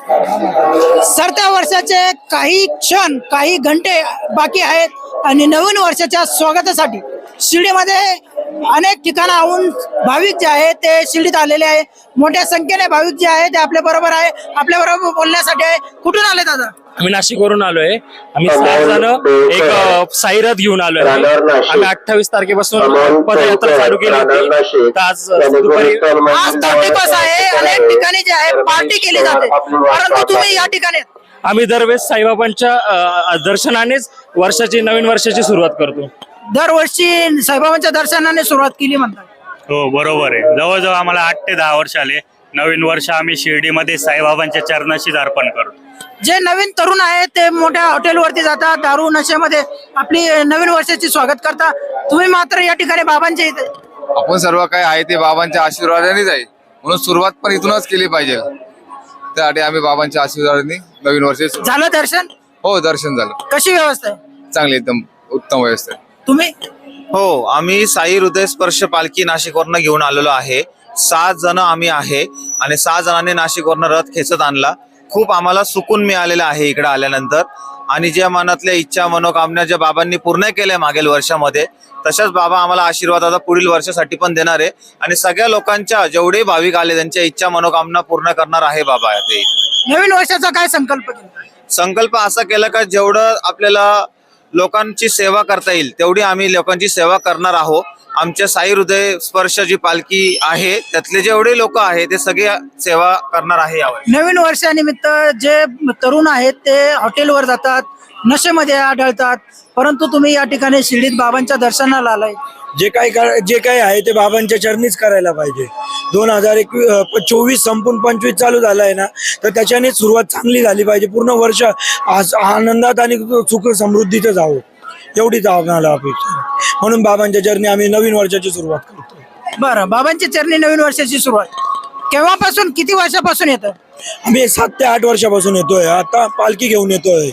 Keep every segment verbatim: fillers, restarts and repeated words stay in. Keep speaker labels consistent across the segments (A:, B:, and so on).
A: सरत्या वर्षाचे काही क्षण काही घंटे बाकी आहेत आणि नवीन वर्षाच्या स्वागतासाठी शिर्डीमध्ये अनेक ठिकाणाहून भाविक जे आहेत ते शिर्डीत आलेले आहे. मोठ्या संख्येने भाविक जे आहेत ते आपल्या बरोबर आहे. आपल्या बरोबर बोलण्यासाठी आहे. कुठून आले दादा?
B: आम्ही नाशिकवरून आलोय. आम्ही सहा जण एक साईरथ घेऊन आलोय. आम्ही अठ्ठावीस तारखेपासून पदयात्रा चालू केली होती. आज दुपारी
A: आज थर्टी फर्स्ट आहे. अनेक ठिकाणी जे आहे पार्टी केली जाते, परंतु तुम्ही या ठिकाणी
B: आम्ही दरवेळेस साईबाबांच्या अ, दर्शनानेच वर्षाची नवीन वर्षाची सुरुवात करतो.
A: दरवर्षी साईबाबांच्या दर्शनाने सुरुवात केली म्हणतात.
C: हो बरोबर आहे. जवळजवळ आम्हाला आठ ते दहा वर्ष आले. नवीन वर्ष आम्ही शिर्डीमध्ये साईबाबांच्या चरणाशीच अर्पण करतो.
A: जे नवीन तरुण आहेत ते मोठ्या हॉटेलवरती जातात, दारू नशेमध्ये आपली नवीन वर्षाची स्वागत करतात. तुम्ही मात्र या ठिकाणी बाबांच्या इथे
D: आपण सर्व काय आहे ते बाबांच्या आशीर्वादानेच आहे, म्हणून सुरुवात पण इथूनच केली पाहिजे. त्यासाठी आम्ही बाबांच्या आशीर्वादाने नवीन वर्ष
A: झालं दर्शन.
D: हो दर्शन झालं.
A: कशी व्यवस्था आहे?
D: चांगली एकदम उत्तम व्यवस्था आहे.
A: तुम्ही?
E: हो, आम्ही साई हृदय स्पर्श पालखी नाशिकवरनं घेऊन आलेलो आहे. सात जण आम्ही आहे आणि सहा जणांनी नाशिकवरनं रथ खेचत आणला. खूप आम्हाला सुकून मिळालेलं आहे इकडे आल्यानंतर. आणि ज्या मनातल्या इच्छा मनोकामना ज्या बाबांनी पूर्ण केल्या मागील वर्षामध्ये, तशाच बाबा आम्हाला आशीर्वाद आता पुढील वर्षासाठी पण देणार आहे. आणि सगळ्या लोकांच्या जेवढे भाविक आले त्यांच्या इच्छा मनोकामना पूर्ण करणार आहे बाबा. ते
A: नवीन वर्षाचा काय संकल्प केला?
E: संकल्प असा केला का जेवढं आपल्याला लोकांची सेवा करता येईल तेवढी आम्ही लोकांची सेवा करणार आहोत. आमच्या साई हृदय स्पर्श जी पालखी आहे त्यातले जेवढे लोक आहेत ते सगळे सेवा करणार आहे यावेळी.
A: नवीन वर्षानिमित्त जे तरुण आहेत ते हॉटेलवर जातात, नशेमध्ये आढळतात, परंतु तुम्ही या ठिकाणी शिर्डीत बाबांच्या दर्शनाला आलाय.
F: जे काही जे काही आहे ते बाबांच्या चरणीच करायला पाहिजे. दोन हजार एकवीस चोवीस संपून पंचवीस चालू झालं आहे ना, तर त्याच्याने सुरुवात चांगली झाली पाहिजे. पूर्ण वर्ष आज आनंदात आणि सुख समृद्धीत जावं एवढीच आम्हाला अपेक्षा. म्हणून बाबांच्या चरणी आम्ही नवीन वर्षाची सुरुवात करतो.
A: बरं, बाबांच्या चरणी नवीन वर्षाची सुरुवात केव्हापासून, किती वर्षापासून येतं?
F: आम्ही सात ते आठ वर्षापासून येतोय. आता पालखी घेऊन येतोय.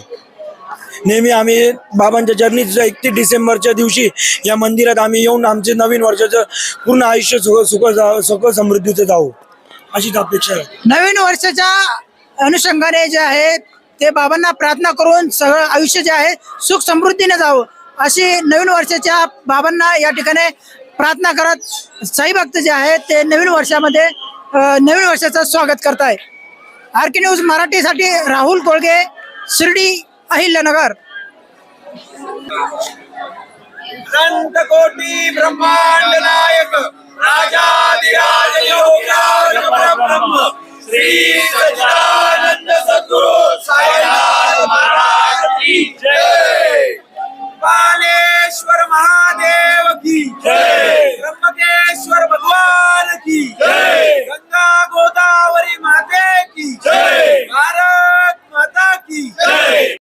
F: नेहमी आम्ही बाबांच्या चरणी एकतीस डिसेंबरच्या दिवशी या मंदिरात आम्ही येऊन आमचे नवीन वर्षाचं पूर्ण आयुष्य सुख सुख सुख समृद्धीचं जावं अशीच अपेक्षा आहे.
A: नवीन वर्षाच्या अनुषंगाने जे आहे ते बाबांना प्रार्थना करून सगळं आयुष्य जे आहे सुख समृद्धीने जावं अशी नवीन वर्षाच्या बाबांना या ठिकाणी प्रार्थना करत साई भक्त जे आहेत ते नवीन वर्षामध्ये नवीन वर्षाचं स्वागत करताय. आर के न्यूज मराठीसाठी राहुल कोळगे, शिर्डी, अहिल्यानगर.
G: कोटी ब्रह्मांड नायक राजाधिराज योगीराज परब्रह्म श्री